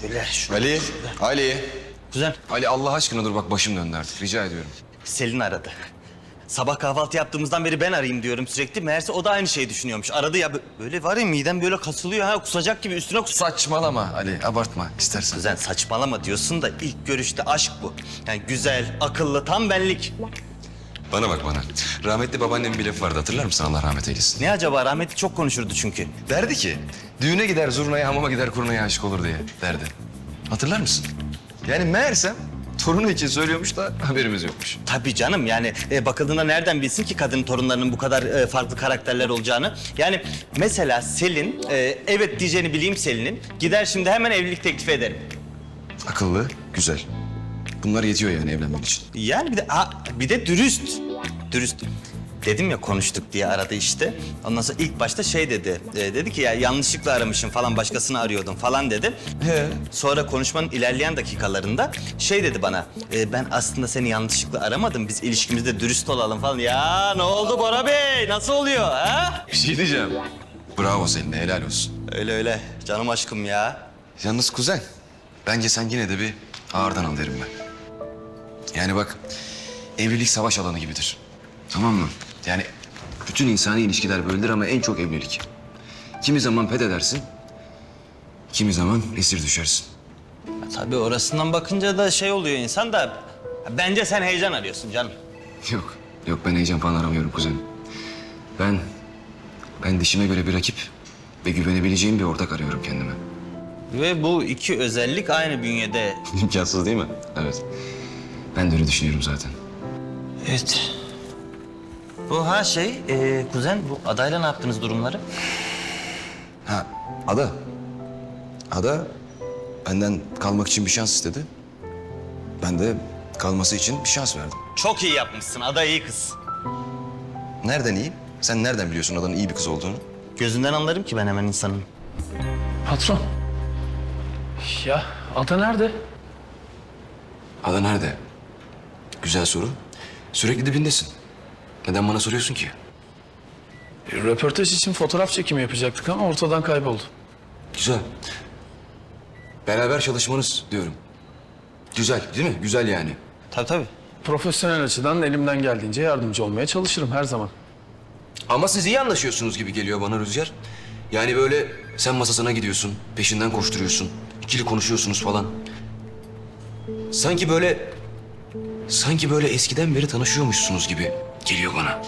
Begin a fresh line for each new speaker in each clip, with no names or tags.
Şöyle.
Ali.
Kuzen,
Ali Allah aşkına dur bak başım döndü artık rica ediyorum.
Selin aradı. Sabah kahvaltı yaptığımızdan beri ben arayayım diyorum sürekli. Meğerse o da aynı şeyi düşünüyormuş. Aradı ya böyle var ya midem böyle kasılıyor ha kusacak gibi üstüne
Saçmalama Ali abartma istersen.
Kuzen saçmalama diyorsun da ilk görüşte aşk bu. Yani güzel, akıllı, tam benlik.
Bana bak bana. Rahmetli babaannemin bir lafı vardı hatırlar mısın Allah rahmet eylesin.
Ne acaba rahmetli çok konuşurdu çünkü.
Derdi ki düğüne gider zurnaya hamama gider kurnaya aşık olur diye derdi. Hatırlar mısın? Yani meğersem torunu için söylüyormuş da haberimiz yokmuş.
Tabii canım yani bakıldığında nereden bilsin ki kadın torunlarının bu kadar farklı karakterler olacağını. Yani mesela Selin, evet diyeceğini bileyim Selin'in. Gider şimdi hemen evlilik teklifi ederim.
Akıllı, güzel. Bunlar yetiyor yani evlenmek için.
Yani bir de dürüst. Dürüst. Dedim ya konuştuk diye aradı işte. Ondan sonra ilk başta şey dedi. Dedi ki ya yanlışlıkla aramışım falan başkasını arıyordum falan dedi. Sonra konuşmanın ilerleyen dakikalarında şey dedi bana. Ben aslında seni yanlışlıkla aramadım. Biz ilişkimizde dürüst olalım falan. Ya ne oldu Bora Bey? Nasıl oluyor ha?
Bir şey diyeceğim. Bravo seninle helal olsun.
Öyle öyle. Canım aşkım ya.
Yalnız kuzen, bence sen yine de bir ağırdan al derim ben. Yani bak, evlilik savaş alanı gibidir. Tamam mı? Yani bütün insani ilişkiler böyledir ama en çok evlilik. Kimi zaman fethedersin, kimi zaman esir düşersin.
Tabii orasından bakınca da şey oluyor insan da... Bence sen heyecan arıyorsun canım.
Yok ben heyecan falan aramıyorum kuzenim. Ben dişime göre bir rakip ve güvenebileceğim bir ortak arıyorum kendime.
Ve bu iki özellik aynı bünyede.
İmkansız değil mi? Evet. Ben de öyle düşünüyorum zaten.
Evet. Bu kuzen bu adayla ne yaptınız durumları?
Ha, Ada benden kalmak için bir şans istedi. Ben de kalması için bir şans verdim.
Çok iyi yapmışsın, ada iyi kız.
Nereden iyi? Sen nereden biliyorsun Ada'nın iyi bir kız olduğunu?
Gözünden anlarım ki ben hemen insanın.
Patron. Ya Ada nerede?
Ada nerede? Güzel soru. Sürekli dibindesin. Neden bana soruyorsun ki?
Röportaj için fotoğraf çekimi yapacaktık ama ortadan kayboldu.
Güzel. Beraber çalışmanız diyorum. Güzel değil mi? Güzel yani.
Tabii.
Profesyonel açıdan elimden geldiğince yardımcı olmaya çalışırım her zaman.
Ama siz iyi anlaşıyorsunuz gibi geliyor bana Rüzgar. Yani böyle sen masasına gidiyorsun, peşinden koşturuyorsun, ikili konuşuyorsunuz falan. Sanki böyle eskiden beri tanışıyormuşsunuz gibi geliyor bana.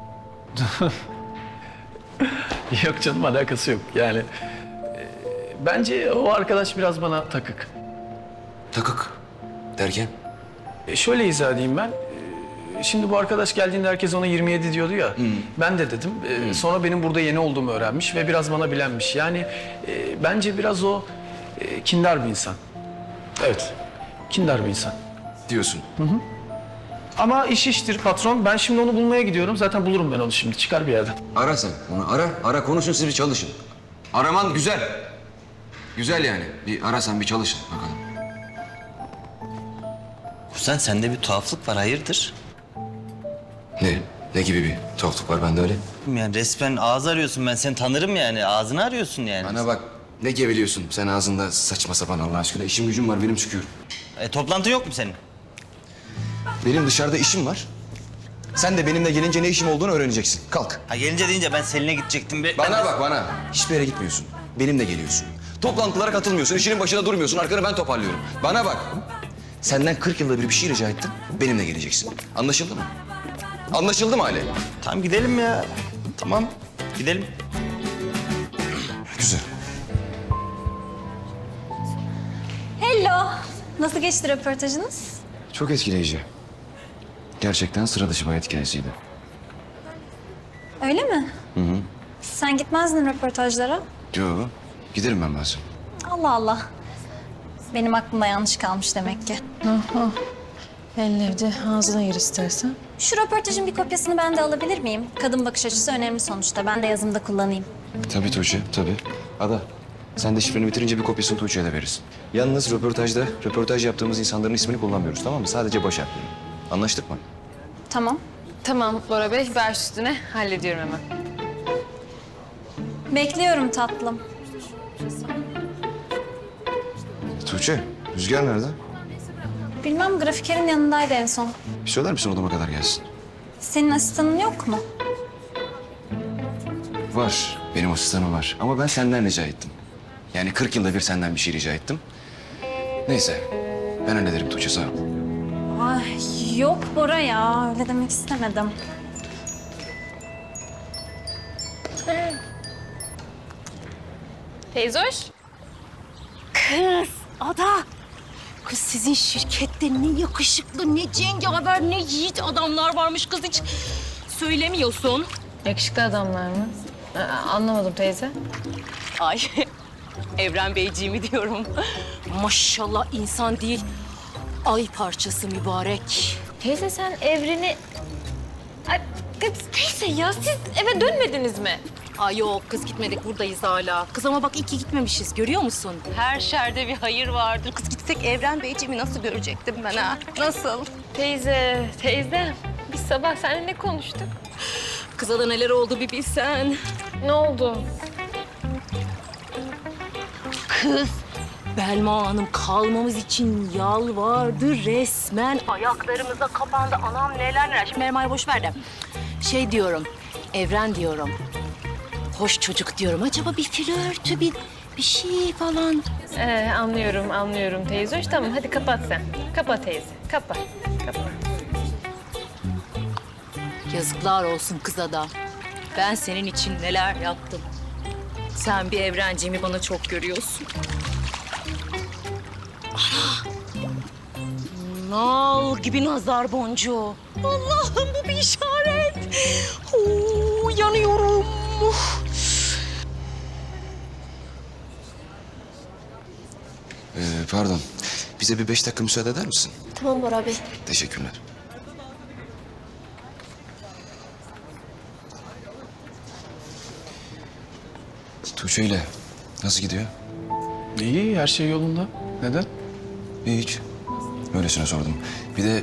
Yok canım alakası yok. Yani bence o arkadaş biraz bana takık.
Takık derken?
Şöyle izah edeyim ben. Şimdi bu arkadaş geldiğinde herkes ona 27 diyordu ya. Ben de dedim. Sonra benim burada yeni olduğumu öğrenmiş ve biraz bana bilenmiş. Yani bence biraz o kindar bir insan. Evet, kindar bir insan.
Diyorsun.
Ama iş iştir patron. Ben şimdi onu bulmaya gidiyorum. Zaten bulurum ben onu şimdi. Çıkar bir yerden.
Ara sen onu ara konuşun siz bir çalışın. Araman güzel. Güzel yani. Bir ara sen bir çalışın bakalım.
Kuzen sende bir tuhaflık var hayırdır?
Ne gibi bir tuhaflık var bende öyle?
Yani resmen ağız arıyorsun ben seni tanırım yani ağzını arıyorsun yani.
Bana bak ne geveliyorsun sen ağzında saçma sapan Allah aşkına. İşim gücüm var benim çıkıyorum.
Toplantı yok mu senin?
Benim dışarıda işim var. Sen de benimle gelince ne işim olduğunu öğreneceksin. Kalk.
Ha gelince deyince ben Selin'e gidecektim.
Bana bak bana. Hiçbir yere gitmiyorsun. Benimle geliyorsun. Toplantılara katılmıyorsun. İşinin başında durmuyorsun. Arkanı ben toparlıyorum. Bana bak. Senden 40 yılda bir şey rica ettim. Benimle geleceksin. Anlaşıldı mı? Anlaşıldı mı Ali?
Tamam gidelim ya. Tamam gidelim.
Güzel.
Hello. Nasıl geçti röportajınız?
Çok etkileyici. Gerçekten sıra dışı bir hayat hikayesiydi.
Öyle mi? Sen gitmezdin röportajlara.
Yo, giderim ben bazen.
Allah Allah. Benim aklımda yanlış kalmış demek ki.
Elin evde ağzına gir istersen.
Şu röportajın bir kopyasını ben de alabilir miyim? Kadın bakış açısı önemli sonuçta. Ben de yazımda kullanayım.
Tabii Tuğçe, tabii. Ada, sen de şifreni bitirince bir kopyasını Tuğçe'ye de verirsin. Yalnız röportaj yaptığımız insanların ismini kullanmıyoruz tamam mı? Sadece baş harfleri. Anlaştık mı?
Tamam.
Tamam Bora Bey, ver üstüne. Hallediyorum hemen.
Bekliyorum tatlım.
Tuğçe, Rüzgar nerede?
Bilmem, grafikerin yanındaydı en son.
Bir söyler misin odama kadar gelsin?
Senin asistanın yok mu?
Var, benim asistanım var. Ama ben senden rica ettim. Yani 40 yılda bir senden bir şey rica ettim. Neyse, ben hallederim Tuğçe, sağ ol.
Ay yok Bora ya, öyle demek istemedim.
Teyze hoş.
Kız, Ada. Kız sizin şirkette ne yakışıklı, ne cengaver, ne yiğit adamlar varmış kız, hiç söylemiyorsun.
Yakışıklı adamlar mı? Anlamadım teyze.
Ay, Evren Beyciğimi diyorum. Maşallah insan değil, ay parçası mübarek.
Teyze sen Evren'i... Ay, kız teyze ya siz eve dönmediniz mi?
Ay yok kız, gitmedik, buradayız hala. Kız ama bak iyi ki gitmemişiz, görüyor musun? Her şerde bir hayır vardır. Kız gitsek Evren Beyciğimi nasıl görecektim ben ha? Nasıl?
Teyze biz sabah seninle ne konuştuk?
Kıza da neler oldu bir bilsen.
Ne oldu?
Kız, Belma Hanım kalmamız için yalvardı resmen. Ayaklarımıza kapandı. Anam neler neler. Şimdi Belma'yı boş ver de. Şey diyorum, Evren diyorum. Hoş çocuk diyorum. Acaba bir flörtü, bir şey falan.
Anlıyorum teyze hoş. Tamam hadi kapat sen. Kapat teyze, kapat.
Yazıklar olsun kıza da. Ben senin için neler yaptım. Sen bir Evrenciğimi bana çok görüyorsun. Ana! Nal gibi nazar boncuğu. Allah'ım bu bir işaret. Oo, yanıyorum.
Pardon, bize bir 5 dakika müsaade eder misin?
Tamam Bora Bey.
Teşekkürler. Tuğçe ile nasıl gidiyor?
İyi, her şey yolunda. Neden?
Hiç. Öylesine sordum. Bir de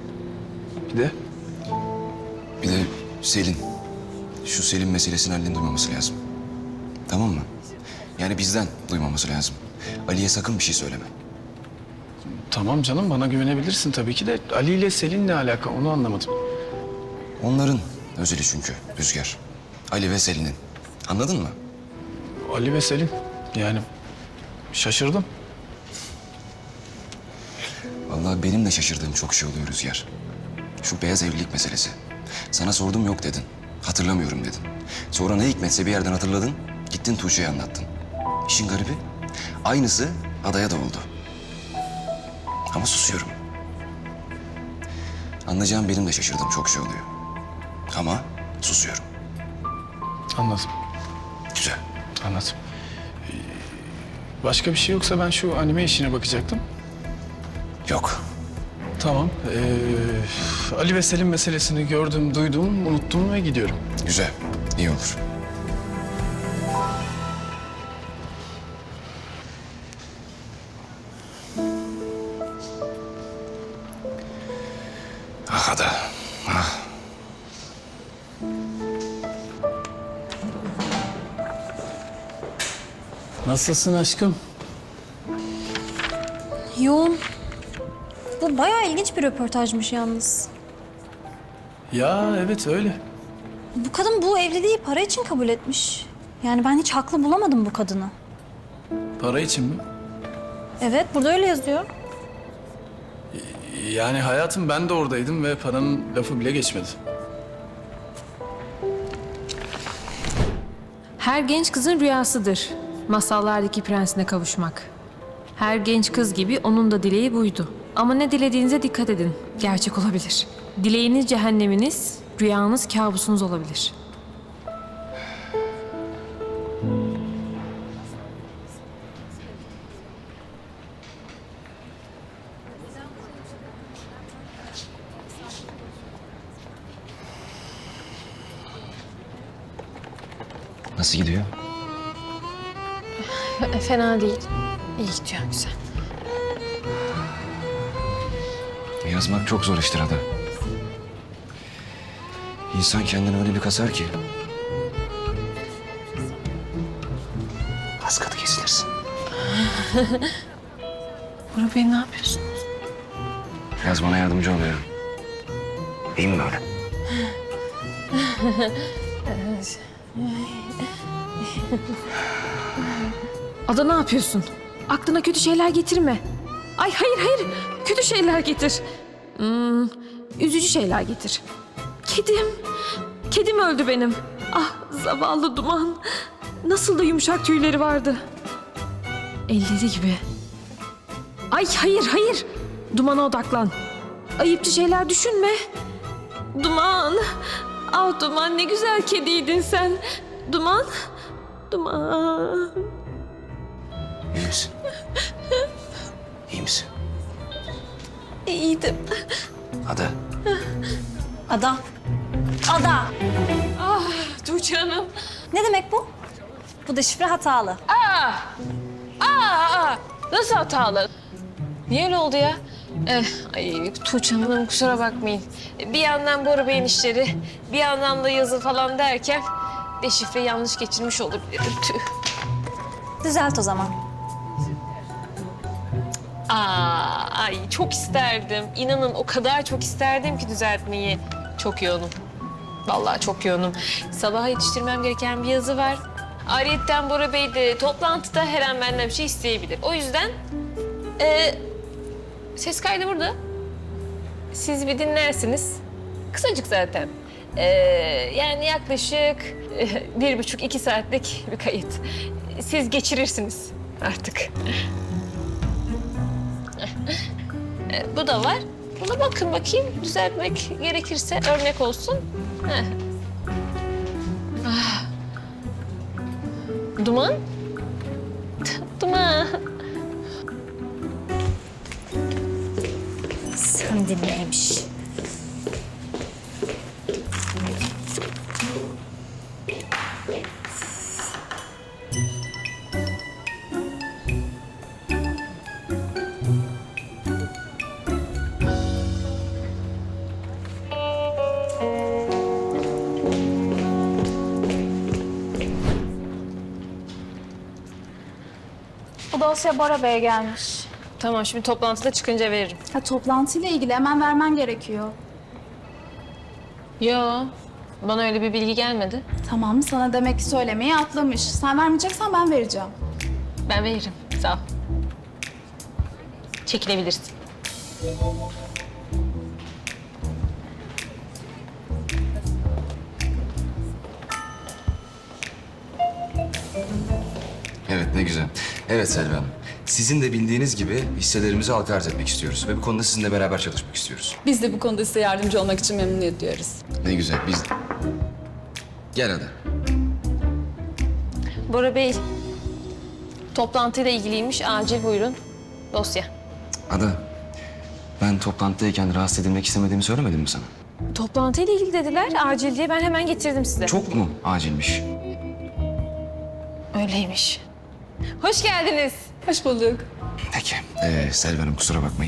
Bir de
Selin. Şu Selin meselesini Ali'nin duymaması lazım. Tamam mı? Yani bizden duymaması lazım. Ali'ye sakın bir şey söyleme.
tamam canım, bana güvenebilirsin tabii ki de Ali ile Selin ne alaka, onu anlamadım.
Onların özeli çünkü Rüzgar. Ali ve Selin'in. Anladın mı?
Ali ve Selin, yani şaşırdım.
Vallahi benim de şaşırdığım çok şey oluyor Rüzgar. Şu beyaz evlilik meselesi. Sana sordum yok dedin. Hatırlamıyorum dedin. Sonra ne hikmetse bir yerden hatırladın. Gittin Tuğçe'ye anlattın. İşin garibi aynısı Ada'ya da oldu. Ama susuyorum. Anlayacağım benim de şaşırdığım çok şey oluyor. Ama susuyorum.
Anladım,
Güzel.
anladım. Başka bir şey yoksa ben şu anime işine bakacaktım.
Yok.
Tamam. Ali ve Selin meselesini gördüm, duydum, unuttum ve gidiyorum.
Güzel. İyi olur. Ah Ada. Ah.
Nasılsın aşkım?
Yoğun. Bu bayağı ilginç bir röportajmış yalnız.
Ya evet öyle.
Bu kadın bu evliliği para için kabul etmiş. Yani ben hiç haklı bulamadım bu kadını.
Para için mi?
Evet, burada öyle yazıyor.
Yani hayatım, ben de oradaydım ve paranın lafı bile geçmedi.
Her genç kızın rüyasıdır masallardaki prensine kavuşmak. Her genç kız gibi onun da dileği buydu. Ama ne dilediğinize dikkat edin, gerçek olabilir. Dileğiniz cehenneminiz, rüyanız kabusunuz olabilir.
Nasıl gidiyor?
Fena değil. İyi gidiyor, güzel.
Yazmak çok zor iştir Ada. İnsan kendini öyle bir kasar ki. Az katı kesilirsin.
Bora Bey ne yapıyorsunuz?
Biraz bana yardımcı oluyor. İyi mi böyle?
Ada ne yapıyorsun? Aklına kötü şeyler getirme. Ay hayır. Kötü şeyler getir. Üzücü şeyler getir. Kedim. Kedim öldü benim. Ah zavallı Duman. Nasıl da yumuşak tüyleri vardı. Elleri gibi. Ay hayır. Duman'a odaklan. Ayıpçı şeyler düşünme. Duman. Ah Duman ne güzel kediydin sen. Duman.
İyi misin? İyi misin?
İyiydim.
Ada.
Ada. Ada.
Tuğçe Hanım.
Ne demek bu? Bu da şifre hatalı.
Nasıl hatalı? Niye öyle oldu ya? Ay Tuğçe Hanım kusura bakmayın. Bir yandan Bora Bey'in işleri, bir yandan da yazı falan derken deşifre yanlış geçirmiş olabilirim. Tüh.
Düzelt o zaman.
Ay çok isterdim. İnanın o kadar çok isterdim ki düzeltmeyi. Çok yoğunum. Vallahi çok yoğunum. Sabaha yetiştirmem gereken bir yazı var. Ayrıyeten Bora Bey de toplantıda her an benden bir şey isteyebilir. O yüzden ses kaydı burada. Siz bir dinlersiniz. Kısacık zaten. Yani yaklaşık 1,5-2 saatlik bir kayıt. Siz geçirirsiniz artık. Bu da var. Buna bakın bakayım. Düzeltmek gerekirse örnek olsun. Heh. Duman? Duman.
Sen dinleymiş.
Bu dosya Bora Bey'e gelmiş.
Tamam şimdi toplantıda çıkınca veririm.
Ha, toplantıyla ilgili hemen vermen gerekiyor.
Yo. Bana öyle bir bilgi gelmedi.
Tamam, sana demek ki söylemeyi atlamış. Sen vermeyeceksen ben vereceğim.
Ben veririm. Sağ ol. Çekilebilirsin.
Evet, ne güzel. Evet Selvi Hanım. Sizin de bildiğiniz gibi hisselerimizi halka arz etmek istiyoruz. Ve bu konuda sizinle beraber çalışmak istiyoruz.
Biz de bu konuda size yardımcı olmak için memnuniyet duyarız.
Ne güzel, biz... Gel Ada.
Bora Bey, toplantıyla ilgiliymiş. Acil buyurun. Dosya.
Ada, ben toplantıdayken rahatsız edilmek istemediğimi söylemedim mi sana?
Toplantıyla ilgili dediler. Acil diye ben hemen getirdim size.
Çok mu acilmiş?
Öyleymiş. Hoş geldiniz.
Hoş bulduk.
Peki, Selvi Hanım kusura bakmayın.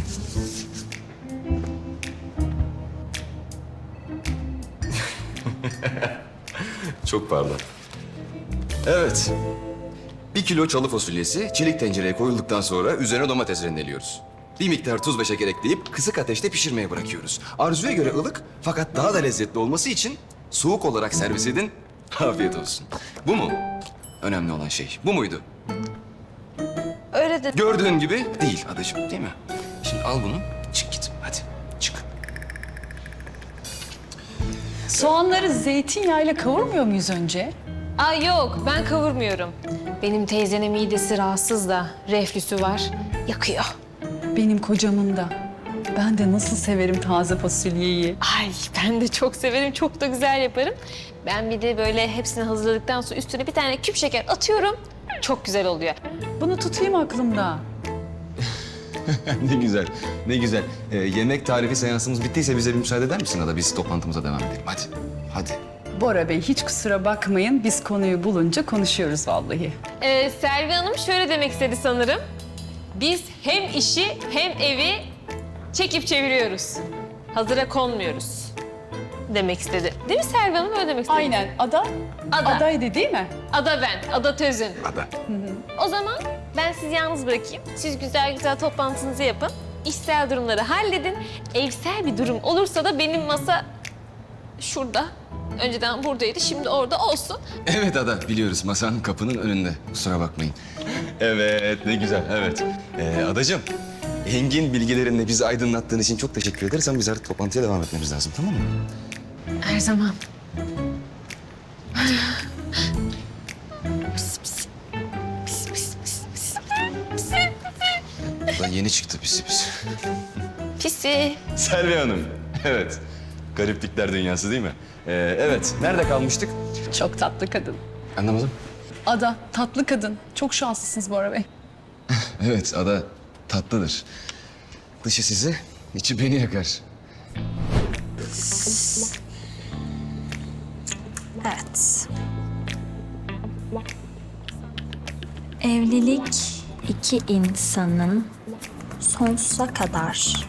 Çok pardon. Evet. 1 kilo çalı fasulyesi çelik tencereye koyulduktan sonra üzerine domates rendeliyoruz. Bir miktar tuz ve şeker ekleyip kısık ateşte pişirmeye bırakıyoruz. Arzuya göre ılık fakat daha da lezzetli olması için soğuk olarak servis edin. Afiyet olsun. Bu mu? Önemli olan şey. Bu muydu?
Öyle de
Gördüğün gibi değil adacığım, değil mi? Şimdi al bunu, çık git. Hadi, çık.
Soğanları zeytinyağıyla kavurmuyor muyuz önce?
Ay yok, ben kavurmuyorum. Benim teyzenin midesi rahatsız da, reflüsü var. Yakıyor.
Benim kocamın da. Ben de nasıl severim taze fasulyeyi.
Ay ben de çok severim, çok da güzel yaparım. Ben bir de böyle hepsini hazırladıktan sonra üstüne bir tane küp şeker atıyorum. Çok güzel oluyor.
Bunu tutayım aklımda.
Ne güzel, ne güzel. Yemek tarifi seansımız bittiyse bize bir müsaade eder misin Ada? Biz toplantımıza devam edelim. Hadi, hadi.
Bora Bey hiç kusura bakmayın. Biz konuyu bulunca konuşuyoruz vallahi.
Selvi Hanım şöyle demek istedi sanırım. Biz hem işi hem evi çekip çeviriyoruz. Hazıra konmuyoruz demek istedi. Değil mi Selvi Hanım? Öyle demek istedi.
Aynen. Ada?
Ada.
Adaydı değil mi?
Ada ben, Ada Tözün.
Ada.
O zaman
ben sizi yalnız bırakayım. Siz güzel güzel toplantınızı yapın. İşsel durumları halledin. Evsel bir durum olursa da benim masa şurada. Önceden buradaydı, şimdi orada olsun.
Evet Ada, biliyoruz. Masanın kapının önünde. Kusura bakmayın. Evet, ne güzel, evet. Adacığım, engin bilgilerinle bizi aydınlattığın için çok teşekkür ederiz. Ama biz artık toplantıya devam etmemiz lazım, tamam mı?
Her zaman.
Ada yeni çıktı pisi pisi.
Pisi.
Selvi Hanım, evet. Gariplikler dünyası değil mi? Evet, nerede kalmıştık?
Çok tatlı kadın.
Anlamadım.
Ada, tatlı kadın. Çok şanslısınız Bora Bey.
Evet, Ada tatlıdır. Dışı sizi, içi beni yakar.
Evet. Evlilik iki insanın sonsuza kadar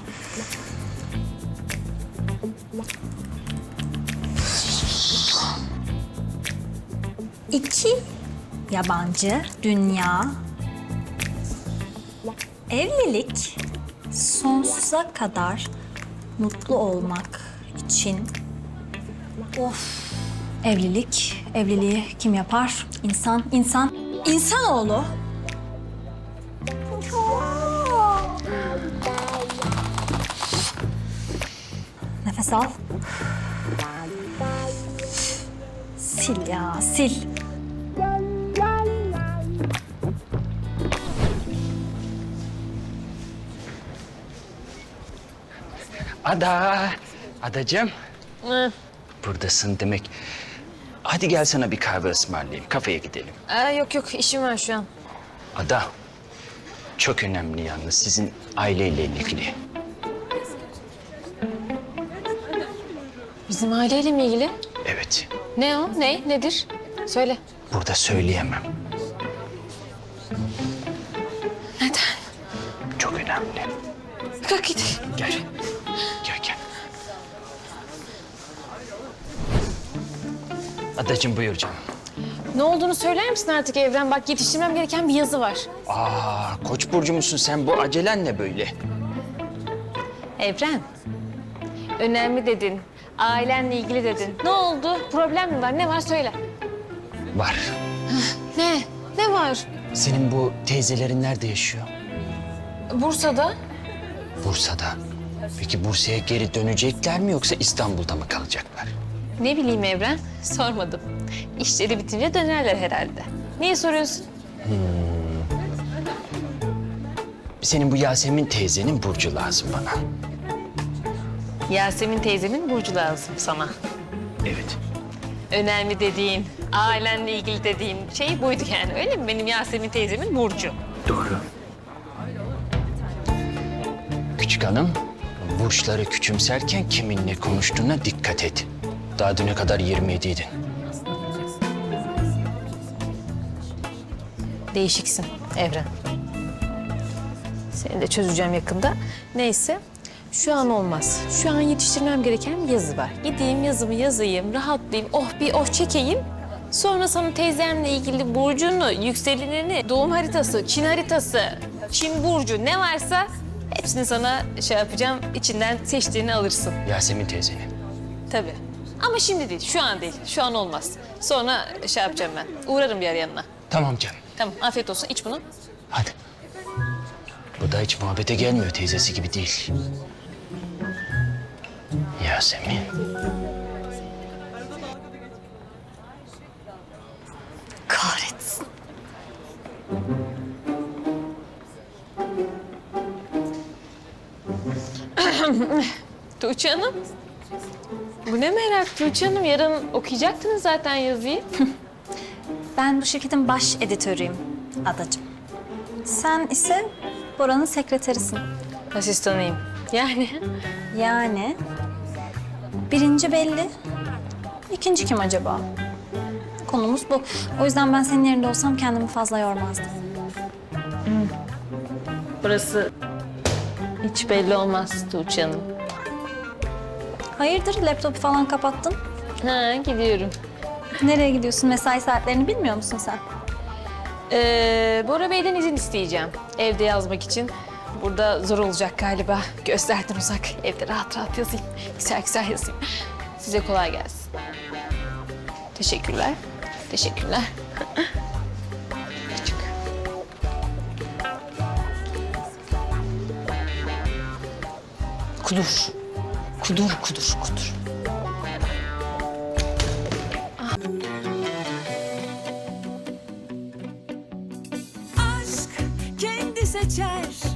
iki yabancı dünya. Evlilik sonsuza kadar mutlu olmak için. Of. Evliliği kim yapar? İnsanoğlu. Nefes al. Sil ya, sil.
Adacığım. Buradasın demek. Hadi gel sana bir kahve ısmarlayayım. Kafeye gidelim.
Yok işim var şu an.
Ada, çok önemli yalnız sizin aileyle ilgili.
Bizim aileyle mi ilgili?
Evet,
Ne o? Nedir? Söyle.
burada söyleyemem.
Neden?
Çok önemli.
Kalk git.
Gel. Gel. Adacığım buyur canım.
Ne olduğunu söyler misin artık Evren? Bak yetiştirmem gereken bir yazı var.
Koç burcu musun sen? Bu acelen ne böyle?
Evren. Önemli dedin. Ailenle ilgili dedin. Ne oldu? Problem mi var? Ne var söyle.
Var.
Ne? Ne var?
Senin bu teyzelerin nerede yaşıyor?
Bursa'da.
Bursa'da. Peki Bursa'ya geri dönecekler mi yoksa İstanbul'da mı kalacaklar?
Ne bileyim Evren. Sormadım. İşleri bitince dönerler herhalde. Niye soruyorsun?
Senin bu Yasemin teyzenin burcu lazım bana.
Yasemin teyzemin burcu lazım sana.
Evet.
Önemli dediğin, ailenle ilgili dediğin şey buydu yani öyle mi? Benim Yasemin teyzemin burcu.
Doğru. Küçük hanım, burçları küçümserken kiminle konuştuğuna dikkat et. Daha düne kadar 27'ydin.
Değişiksin Evren. Seni de çözeceğim yakında. Neyse, şu an olmaz. Şu an yetiştirmem gereken bir yazı var. Gideyim yazımı yazayım, rahatlayayım, oh çekeyim. Sonra sana teyzemle ilgili burcunu, yükselenini, doğum haritası, Çin haritası, Çin burcu ne varsa hepsini sana şey yapacağım. İçinden seçtiğini alırsın.
Yasemin teyzenin.
Tabii. Ama şimdi değil, şu an değil. Şu an olmaz. Sonra şey yapacağım ben. Uğrarım bir ara yanına.
Tamam canım.
Tamam, afiyet olsun. İç bunu.
Hadi. Bu da hiç muhabbete gelmiyor, teyzesi gibi değil. Yasemin.
Kahretsin.
Tuğçe Hanım. Bu ne merak Tuğçe Hanım? Yarın okuyacaktınız zaten yazıyı.
Ben bu şirketin baş editörüyüm Adacığım. Sen ise Bora'nın sekreterisin.
Asistanıyım.
Yani birinci belli, ikinci kim acaba? Konumuz bu. O yüzden ben senin yerinde olsam kendimi fazla yormazdım.
Burası hiç belli olmaz Tuğçe Hanım.
Hayırdır, laptopu falan kapattın?
Ha, gidiyorum.
Nereye gidiyorsun? Mesai saatlerini bilmiyor musun sen?
Bora Bey'den izin isteyeceğim. Evde yazmak için. Burada zor olacak galiba. Gözlerden uzak. Evde rahat rahat yazayım. Güzel güzel yazayım. Size kolay gelsin. Teşekkürler. Teşekkürler. Küçük. Kudur. Kudur, kudur, kudur.
Aşk kendi seçer